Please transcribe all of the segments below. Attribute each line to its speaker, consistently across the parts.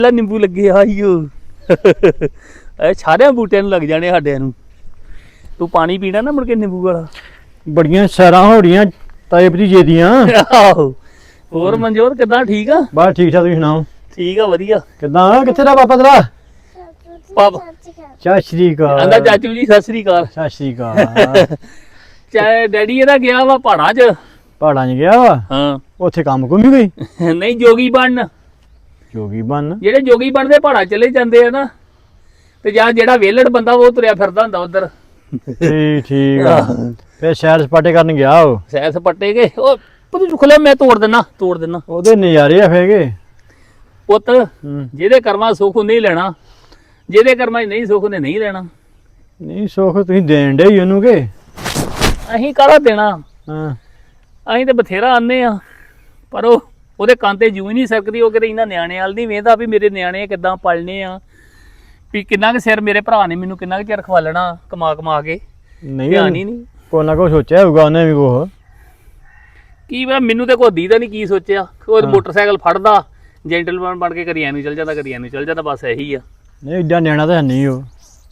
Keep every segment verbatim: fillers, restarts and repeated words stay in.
Speaker 1: ਨਿੰਬੂ ਲੱਗੇ ਆਈਓ ਇਹ ਸਾਰਿਆਂ ਬੂਟਿਆਂ ਨੂੰ ਲੱਗ ਜਾਣੇ ਸਾਡਿਆਂ ਨੂੰ। ਤੂੰ ਪਾਣੀ ਪੀਣਾ ਨਾ ਮੁੜ ਕੇ ਨਿੰਬੂ ਵਾਲਾ।
Speaker 2: ਬੜੀਆਂ ਸੈਰਾਂ ਹੋ ਰਹੀਆਂ ਤਾਏ ਭਤੀਜੇ ਦੀਆਂ।
Speaker 1: ਆਹੋ ਹੋਰ ਮਨਜੋਤ ਕਿੱਦਾਂ ਠੀਕ ਆ?
Speaker 2: ਬਸ ਠੀਕ ਠਾਕ, ਤੁਸੀਂ ਸੁਣਾਓ?
Speaker 1: ਠੀਕ ਆ ਵਧੀਆ।
Speaker 2: ਕਿੱਦਾਂ ਕਿੱਥੇ ਦਾ ਪਾਪਾ ਤੇਰਾ?
Speaker 1: ਪਾਪਾ
Speaker 2: ਸਤਿ ਸ਼੍ਰੀ ਅਕਾਲ।
Speaker 1: ਆਂਦਾ ਚਾਚੂ ਜੀ ਸਤਿ ਸ੍ਰੀ ਅਕਾਲ।
Speaker 2: ਸਤਿ ਸ਼੍ਰੀ ਅਕਾਲ।
Speaker 1: ਚਾਹੇ ਡੈਡੀ ਇਹਦਾ ਗਿਆ ਵਾ ਪਹਾੜਾਂ 'ਚ।
Speaker 2: ਪਹਾੜਾਂ 'ਚ ਗਿਆ ਵਾ?
Speaker 1: ਹਾਂ।
Speaker 2: ਉੱਥੇ ਕੰਮ ਕੁੰਮ ਹੀ ਗਈ?
Speaker 1: ਨਹੀਂ ਜੋਗੀ ਬਣਨ।
Speaker 2: ਜੋਗੀ ਬਣ?
Speaker 1: ਜਿਹੜੇ ਜੋਗੀ ਬਣਦੇ ਪਹਾੜਾਂ ਚਲੇ ਜਾਂਦੇ ਆ ਨਾ, ਤੇ ਜਾਂ ਜਿਹੜਾ ਵੇਲੜ ਬੰਦਾ ਉਹ ਤੁਰਿਆ ਫਿਰਦਾ ਹੁੰਦਾ ਉਧਰ।
Speaker 2: ਠੀਕ ਠੀਕ ਆ। ਫੇਰ ਸੈਰ ਸਪਾਟੇ ਕਰਨ ਗਿਆ ਉਹ?
Speaker 1: ਸੈਰ ਸਪਾਟੇ ਕੇ ਉਹ ਪੁੱਤ ਚੁੱਕ ਲਿਆ, ਮੈਂ ਤੋੜ ਦਿੰਨਾ ਤੋੜ ਦਿੰਨਾ।
Speaker 2: ਉਹਦੇ ਨਜ਼ਾਰੇ ਆ ਫੇਗੇ
Speaker 1: ਪੁੱਤ। ਜਿਹਦੇ ਕਰਮਾਂ ਸੁੱਖ ਨਹੀਂ ਲੈਣਾ, ਜਿਹਦੇ ਕਰਮਾਂ 'ਚ ਨਹੀਂ ਸੁੱਖ ਨੇ ਨਹੀਂ ਲੈਣਾ।
Speaker 2: ਨਹੀਂ ਸੁੱਖ ਤੁਸੀਂ ਦੇਣ ਡੇ ਉਹਨੂੰ ਕਿ
Speaker 1: ਅਸੀਂ ਕਾਹਦਾ ਦੇਣਾ?
Speaker 2: ਹਾਂ
Speaker 1: ਅਸੀਂ ਤੇ ਬਥੇਰਾ ਆਨੇ ਆ, ਪਰ ਉਹ ਉਹਦੇ ਕੰਨ ਤੇ ਜੂ ਹੀ ਨਹੀਂ ਸਕਦੀ। ਉਹ ਕਿਤੇ ਇਹਨਾਂ ਨਿਆਣੇ ਵਾਲ ਨਹੀਂ ਵੇਖਦਾ ਵੀ ਮੇਰੇ ਨਿਆਣੇ ਕਿੱਦਾਂ ਪਲਣੇ ਆ, ਵੀ ਕਿੰਨਾ ਕੁ ਸਿਰ ਮੇਰੇ ਭਰਾ ਨੇ ਮੈਨੂੰ ਕਿੰਨਾ ਕੁ ਚਿਰ ਖਵਾਲਣਾ ਕਮਾ ਕਮਾ ਕੇ।
Speaker 2: ਨਹੀਂ
Speaker 1: ਧਿਆਨ ਹੀ ਨਹੀਂ।
Speaker 2: ਕੋਈ ਨਾ ਕੋਈ ਸੋਚਿਆ ਹੋਊਗਾ ਉਹਨੇ ਵੀ ਕੁਛ।
Speaker 1: ਕੀ ਪਤਾ, ਮੈਨੂੰ ਤੇ ਕੋਈ ਦੀਦਾ ਨਹੀਂ ਕੀ ਸੋਚਿਆ। ਉਹ ਮੋਟਰਸਾਈਕਲ ਫੜਦਾ ਜੈਂਟਲਮੈਨ ਬਣ ਕੇ ਕਦੀ ਐਨੂੰ ਚੱਲ ਜਾਂਦਾ ਕਦੀ ਐਨੂੰ ਚੱਲ ਜਾਂਦਾ, ਬਸ ਇਹੀ ਆ।
Speaker 2: ਨਹੀਂ ਏਡਾ ਨਿਆਣਾ ਤਾਂ ਹੈ ਨਹੀਂ ਉਹ।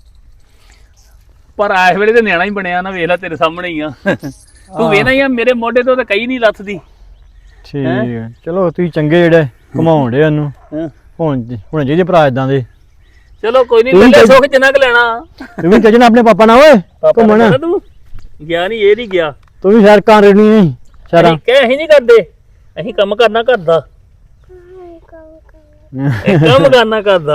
Speaker 1: ਪਰ ਇਸ ਵੇਲੇ ਤੇ ਨਿਆਣਾ ਹੀ ਬਣਿਆ ਨਾ, ਵੇਖ ਲੈ ਤੇਰੇ ਸਾਹਮਣੇ ਹੀ ਆ। ਤੂੰ ਵੇਖਣਾ ਹੀ ਆ ਮੇਰੇ ਮੋਢੇ ਤੋਂ ਤਾਂ ਕਈ ਨਹੀਂ ਲੱਥਦੀ।
Speaker 2: ਠੀਕ ਹੈ ਚਲੋ ਤੁਸੀਂ ਚੰਗੇ ਜਿਹੜੇ ਘੁਮਾਉਣ ਡੇ ਉਹਨੂੰ। ਹੁਣ ਹੁਣ ਜਿਹਦੇ ਭਰਾ ਇਦਾਂ ਦੇ।
Speaker 1: ਚਲੋ ਕੋਈ ਨਹੀਂ, ਲੈ ਸੁੱਖ ਜਿੰਨਾ ਕੁ ਲੈਣਾ।
Speaker 2: ਤੂੰ ਵੀ ਚੱਜਣਾ ਆਪਣੇ ਪਾਪਾ ਨਾਲ ਓਏ ਘੁੰਮਣ।
Speaker 1: ਤੂੰ ਗਿਆ ਨਹੀਂ, ਇਹ ਨਹੀਂ ਗਿਆ।
Speaker 2: ਤੂੰ ਵੀ ਸੈਰ ਕਰ ਰਹੀ ਨਹੀਂ ਸਾਰਾ?
Speaker 1: ਕਹਿ ਅਸੀਂ ਨਹੀਂ ਕਰਦੇ, ਅਸੀਂ ਕੰਮ ਕਰਨਾ ਕਰਦਾ। ਕੰਮ ਕਰਨਾ ਕਰਦਾ।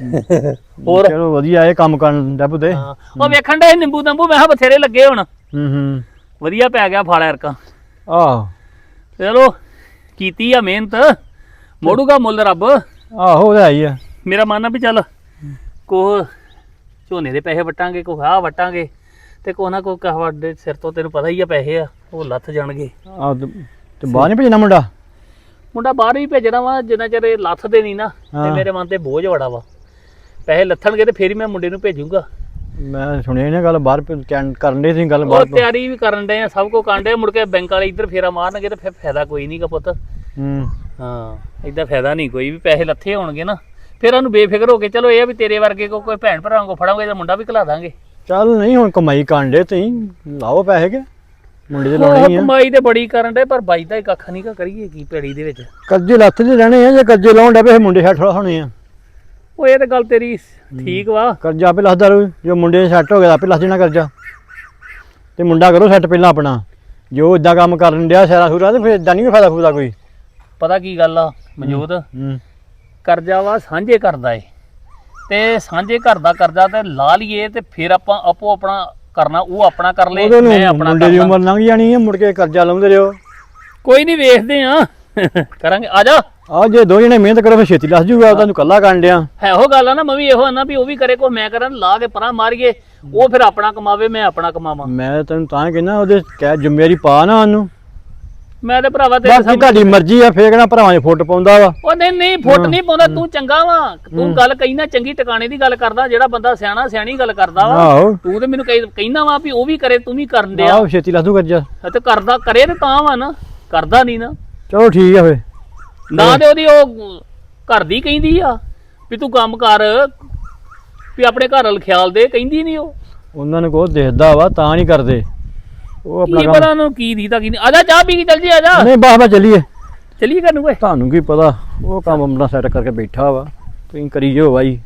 Speaker 1: ਹੋਰ
Speaker 2: ਚਲੋ ਵਧੀਆ ਇਹ ਕੰਮ ਕਰਨ ਦਾ ਪੁੱਤੇ।
Speaker 1: ਉਹ ਵੇਖਣ ਦੇ ਨਿੰਬੂ ਨੰਬੂ ਮੈਂ ਕਿਹਾ ਬਥੇਰੇ ਲੱਗੇ ਹੁਣ।
Speaker 2: ਹੂੰ ਹੂੰ
Speaker 1: ਵਧੀਆ ਪੈ ਗਿਆ ਫਲ ਐਰਕਾ।
Speaker 2: ਆਹੋ
Speaker 1: ਚਲੋ ਕੀਤੀ ਆ ਮਿਹਨਤ, ਮੋੜੂਗਾ ਮੁੱਲ ਰੱਬ।
Speaker 2: ਆਹੋ ਉਹ ਆਈ ਆ।
Speaker 1: ਮੇਰਾ ਮਨ ਆ ਵੀ ਚੱਲ ਕੋਹ ਝੋਨੇ ਦੇ ਪੈਸੇ ਵਟਾਂਗੇ, ਕੋਹ ਆਹ ਵਟਾਂਗੇ, ਤੇ ਕੋਹ ਨਾ ਕੋਹ ਕਹਵਾਡੇ ਸਿਰ ਤੋਂ ਤੈਨੂੰ ਪਤਾ ਹੀ ਆ ਪੈਸੇ ਆ ਉਹ ਲੱਥ ਜਾਣਗੇ।
Speaker 2: ਆਹ ਤੇ ਬਾਹਰ ਨਹੀਂ ਭੇਜਣਾ ਮੁੰਡਾ?
Speaker 1: ਮੁੰਡਾ ਬਾਹਰ ਹੀ ਭੇਜਣਾ ਵਾ, ਜਿੰਨਾ ਚਿਰ ਇਹ ਲੱਥਦੇ ਨਹੀਂ ਨਾ। ਤੇ ਮੇਰੇ ਮਨ ਤੇ ਬੋਝ ਬੜਾ ਵਾ। ਪੈਸੇ ਲੱਥਣਗੇ ਤੇ ਫੇਰ ਹੀ ਮੈਂ ਮੁੰਡੇ ਨੂੰ ਭੇਜੂਗਾ।
Speaker 2: ਮੈਂ ਸੁਣਿਆ ਨਾ ਗੱਲ ਬਾਹਰ ਕਰਨ ਦੇ ਸੀ ਗੱਲ
Speaker 1: ਉਹ
Speaker 2: ਬਾਹਰ।
Speaker 1: ਤਿਆਰੀ ਵੀ ਕਰਨ ਦੇ ਆ, ਸਭ ਕੁਝ ਕਰਨ ਦੇ। ਮੁੜ ਕੇ ਬੈਂਕ ਵਾਲੇ ਇੱਧਰ ਫੇਰਾ ਮਾਰਨਗੇ ਤੇ ਫਿਰ ਫਾਇਦਾ ਕੋਈ ਨਹੀਂਗਾ ਪੁੱਤ।
Speaker 2: ਹੂੰ
Speaker 1: ਹਾਂ ਏਦਾਂ ਫਾਇਦਾ ਨਹੀਂ ਕੋਈ ਵੀ। ਪੈਸੇ ਲੱਥੇ ਹੋਣਗੇ ਨਾ ਫਿਰ ਉਹਨੂੰ ਬੇਫਿਕਰ ਹੋ ਕੇ ਚਲੋ ਇਹ ਆ ਵੀ ਤੇਰੇ ਵਰਗੇ ਕੋ ਕੋਈ ਭੈਣ ਭਰਾਵਾਂ ਕੋ ਫੜਾਂਗੇ ਤਾਂ ਮੁੰਡਾ ਵੀ ਘਲਾ ਦਾਂਗੇ।
Speaker 2: ਚੱਲ ਨਹੀਂ ਹੁਣ ਕਮਾਈ ਕਰਨ ਦੇ ਤੁਸੀਂ ਲਾਓ ਪੈਸੇ ਕੇ ਮੁੰਡੇ ਦੇ ਲਾਉਣੇ ਹੀ ਆ।
Speaker 1: ਕਮਾਈ ਤੇ ਬੜੀ ਕਰਨ ਦੇ ਪਰ ਬਾਈ ਦਾ ਹੀ ਕੱਖ ਨਹੀਂ ਕਾ ਕਰੀਏ ਕੀ ਪੈੜੀ ਦੇ ਵਿੱਚ।
Speaker 2: ਕਰਜ਼ੇ ਲੱਥ ਦੇ ਰਹਿਣੇ ਆ, ਜੇ ਕਰਜ਼ੇ ਲਾਉਣ ਡੇ ਪਏ ਮੁੰਡੇ ਛੱਡ ਹੋਣੇ ਆ।
Speaker 1: ਉਹ ਇਹ ਤਾਂ ਗੱਲ ਤੇਰੀ ਠੀਕ ਵਾ।
Speaker 2: ਕਰਜ਼ਾ ਆਪੇ ਲੱਥਦਾ ਰਹੂ, ਜੋ ਮੁੰਡੇ ਸੈੱਟ ਹੋ ਗਿਆ ਆਪੇ ਲੱਥ ਜਾਣਾ ਕਰਜ਼ਾ। ਤੇ ਮੁੰਡਾ ਕਰੋ ਸੈੱਟ ਪਹਿਲਾਂ ਆਪਣਾ। ਜੋ ਇਦਾਂ ਕੰਮ ਕਰਨ ਡਿਆ ਸੈਰਾ ਸੂਰਾ ਤੇ ਫਿਰ ਇਦਾਂ ਨਹੀਂ ਫਾਇਦਾ ਫੂਦਾ ਕੋਈ।
Speaker 1: ਪਤਾ ਕੀ ਗੱਲ ਆ ਮਨਜੋਤ, ਕਰਜ਼ਾ ਵਾ ਸਾਂਝੇ ਕਰਦਾ ਏ, ਤੇ ਸਾਂਝੇ ਘਰ ਦਾ ਕਰਜ਼ਾ ਤੇ ਲਾ ਲਈਏ ਤੇ ਫਿਰ ਆਪਾਂ ਆਪੋ ਆਪਣਾ ਕਰਨਾ, ਉਹ ਆਪਣਾ ਕਰ ਲੇ ਮੈਂ ਆਪਣਾ।
Speaker 2: ਮੁੰਡੇ ਦੀ ਉਮਰ ਲੰਘ ਜਾਣੀ ਹੈ, ਮੁੜ ਕੇ ਕਰਜ਼ਾ ਲਾਉਂਦੇ ਰਹੋ।
Speaker 1: ਕੋਈ ਨਹੀਂ ਵੇਖਦੇ ਆ ਕਰਾਂਗੇ। ਆ ਜਾ
Speaker 2: ਆ ਜੇ ਦੋ ਜਣੇ ਮਿਹਨਤ ਕਰੋ ਫਿਰ ਛੇਤੀ ਲੱਥ ਜੂਗਾ। ਤੁਹਾਨੂੰ ਕੱਲਾ ਕਰਨ ਡਿਆ
Speaker 1: ਹੈ ਉਹ ਗੱਲ ਆ ਨਾ। ਮੈਂ ਵੀ ਇਹੋ ਆਨਾ ਵੀ ਉਹ ਵੀ ਕਰੇ ਕੋ ਮੈਂ ਕਰਾਂ, ਲਾ ਕੇ ਪਰਾਂ ਮਾਰੀਏ। ਉਹ ਫਿਰ ਆਪਣਾ ਕਮਾਵੇ ਮੈਂ ਆਪਣਾ ਕਮਾਵਾਂ।
Speaker 2: ਮੈਂ ਤੈਨੂੰ ਤਾਂ ਕਹਿੰਦਾ ਉਹਦੇ ਕਹਿ ਜ਼ਿੰਮੇਵਾਰੀ ਪਾ ਨਾ ਉਹਨੂੰ।
Speaker 1: ਮੈਂ ਤੇ ਭਰਾਵਾ ਤੇ
Speaker 2: ਬਾਕੀ ਤੁਹਾਡੀ ਮਰਜ਼ੀ ਆ, ਫੇਰ ਕਿਹੜਾ ਭਰਾਵਾਂ 'ਚ ਫੁੱਟ ਪਾਉਂਦਾ ਵਾ।
Speaker 1: ਉਹ ਨਹੀਂ ਨਹੀਂ ਫੁੱਟ ਨਹੀਂ ਪਾਉਂਦਾ। ਤੂੰ ਚੰਗਾ ਵਾ, ਤੂੰ ਗੱਲ ਕਹੀ ਨਾ ਚੰਗੀ ਟਿਕਾਣੇ ਦੀ ਗੱਲ ਕਰਦਾ। ਜਿਹੜਾ ਬੰਦਾ ਸਿਆਣਾ ਸਿਆਣੀ ਗੱਲ ਕਰਦਾ ਵਾ।
Speaker 2: ਆਹੋ
Speaker 1: ਤੂੰ ਤੇ ਮੈਨੂੰ ਕਹਿੰਦਾ ਵਾ ਵੀ ਉਹ ਵੀ ਕਰੇ ਤੂੰ ਵੀ ਕਰਨ ਡਿਆ।
Speaker 2: ਆਹੋ ਛੇਤੀ ਲੱਥੂ ਕਰਜ਼ਾ।
Speaker 1: ਤੇ ਕਰਦਾ ਕਰੇ ਤੇ ਤਾਂ ਵਾ ਨਾ, ਕਰਦਾ ਨਹੀਂ ਨਾ।
Speaker 2: ਚਲੋ ਠੀਕ ਆ ਫੇ।
Speaker 1: ਨਾ ਤੇ ਉਹਦੀ ਉਹ ਘਰ ਦੀ ਕਹਿੰਦੀ ਆ ਵੀ ਤੂੰ ਕੰਮ ਕਰ, ਵੀ ਆਪਣੇ ਘਰ ਵੱਲ ਖਿਆਲ ਦੇ, ਕਹਿੰਦੀ ਨਹੀਂ ਉਹ।
Speaker 2: ਉਹਨਾਂ ਨੂੰ ਕੋਈ ਦੇਖਦਾ ਵਾ ਤਾਂ ਨਹੀਂ ਕਰਦੇ ਉਹ ਆਪਣਾ
Speaker 1: ਕੀ ਪਤਾ ਉਹਨੂੰ ਕੀ ਦੀਦਾ ਕੀ ਨਹੀਂ। ਆ ਜਾ ਚਾਹ ਪੀ ਕੇ ਚੱਲ ਜੀ। ਆ ਜਾ
Speaker 2: ਨਹੀਂ ਬਾਹ ਬਾ ਚੱਲੀਏ
Speaker 1: ਚੱਲੀਏ ਘਰ ਨੂੰ। ਓਏ
Speaker 2: ਤੁਹਾਨੂੰ ਕੀ ਪਤਾ, ਉਹ ਕੰਮ ਆਪਣਾ ਸੈੱਟ ਕਰਕੇ ਬੈਠਾ ਵਾ, ਤੁਸੀਂ ਕਰੀ ਜਾਓ ਬਾਈ।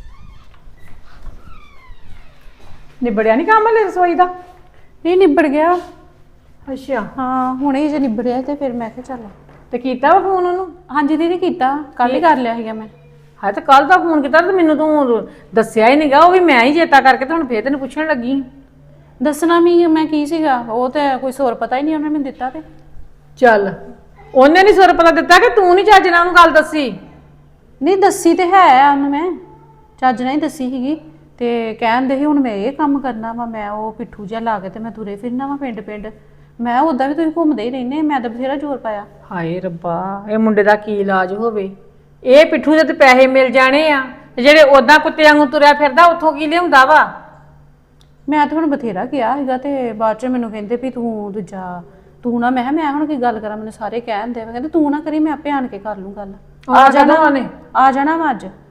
Speaker 3: ਨਿਬੜਿਆ ਨਹੀਂ ਕੰਮ ਹਲੇ ਰਸੋਈ ਦਾ?
Speaker 4: ਨਹੀਂ ਨਿਬੜ ਗਿਆ।
Speaker 3: ਅੱਛਾ
Speaker 4: ਹਾਂ ਹੁਣੇ ਜੇ ਨਿਬੜਿਆ ਤੇ ਫਿਰ ਮੈਂ ਕਿਹਾ ਚੱਲ।
Speaker 3: ਤੇ ਕੀਤਾ ਵਾ ਫੋਨ ਉਹਨੂੰ?
Speaker 4: ਹਾਂਜੀ ਦੀਦੀ ਕੀਤਾ, ਕੱਲ ਹੀ ਕਰ ਲਿਆ ਸੀਗਾ ਮੈਂ।
Speaker 3: ਹਾਂ ਤੇ ਕੱਲ ਦਾ ਫੋਨ ਕੀਤਾ ਤੇ ਮੈਨੂੰ ਤੂੰ ਦੱਸਿਆ ਹੀ ਨਹੀਂਗਾ। ਉਹ ਵੀ ਮੈਂ ਹੀ ਚੇਤਾ ਕਰਕੇ ਤੇ ਹੁਣ ਫੇਰ ਤੈਨੂੰ ਪੁੱਛਣ ਲੱਗੀ।
Speaker 4: ਦੱਸਣਾ ਵੀ ਮੈਂ ਕੀ ਸੀਗਾ, ਉਹ ਤੇ ਕੋਈ ਸੋਰ ਪਤਾ ਹੀ ਨਹੀਂ ਉਹਨੇ ਮੈਨੂੰ ਦਿੱਤਾ। ਤੇ
Speaker 3: ਚੱਲ ਉਹਨੇ ਨਹੀਂ ਸੁਰ ਪਤਾ ਦਿੱਤਾ ਕਿ ਤੂੰ ਨਹੀਂ ਚੱਜ ਨਾਲ ਉਹਨੂੰ ਗੱਲ ਦੱਸੀ?
Speaker 4: ਨਹੀਂ ਦੱਸੀ ਤੇ ਹੈ ਉਹਨੂੰ, ਮੈਂ ਚੱਜ ਨਾਲ ਹੀ ਦੱਸੀ ਸੀਗੀ। ਤੇ ਕਹਿੰਦੇ ਸੀ ਹੁਣ ਮੈਂ ਇਹ ਕੰਮ ਕਰਨਾ ਵਾ, ਮੈਂ ਉਹ ਪਿੱਠੂ ਜਿਹਾ ਲਾ ਕੇ ਤੇ ਮੈਂ ਤੁਰੇ ਫਿਰਨਾ ਵਾ ਪਿੰਡ ਪਿੰਡ। ਮੈਂ ਉਦਾਂ ਵੀ ਤੁਸੀਂ ਘੁੰਮਦੇ ਹੀ ਰਹਿੰਦੇ, ਮੈਂ ਤਾਂ ਬਥੇਰਾ ਜ਼ੋਰ ਪਾਇਆ।
Speaker 3: ਹਾਏ ਰੱਬਾ, ਇਹ ਮੁੰਡੇ ਦਾ ਕੀ ਇਲਾਜ ਹੋਵੇ। ਇਹ ਪਿੱਠੂ ਦੇ ਤੇ ਪੈਸੇ ਮਿਲ ਜਾਣੇ ਆ, ਤੇ ਜਿਹੜੇ ਉਦਾਂ ਕੁੱਤੇ ਵਾਂਗੂ ਤੁਰਿਆ ਫਿਰਦਾ ਉੱਥੋਂ ਕੀ ਲਿਆਉਂਦਾ ਵਾ?
Speaker 4: ਮੈਂ ਤਾਂ ਹੁਣ ਬਥੇਰਾ ਕਿਹਾ ਸੀਗਾ ਤੇ ਬਾਅਦ ਚ ਮੈਨੂੰ ਕਹਿੰਦੇ ਵੀ ਤੂੰ ਦੂਜਾ ਤੂੰ ਨਾ। ਮੈਂ ਮੈਂ ਹੁਣ ਕੀ ਗੱਲ ਕਰਾਂ, ਮੈਨੂੰ ਸਾਰੇ ਕਹਿਣ ਦੇ ਕਹਿੰਦੇ ਤੂੰ ਨਾ ਕਰੀ, ਮੈਂ ਆਪੇ ਆਣ ਕੇ ਕਰ ਲੂੰ ਗੱਲ।
Speaker 3: ਆ ਜਾਣਾ ਉਹਨੇ?
Speaker 4: ਆ ਜਾਣਾ ਵਾ ਅੱਜ।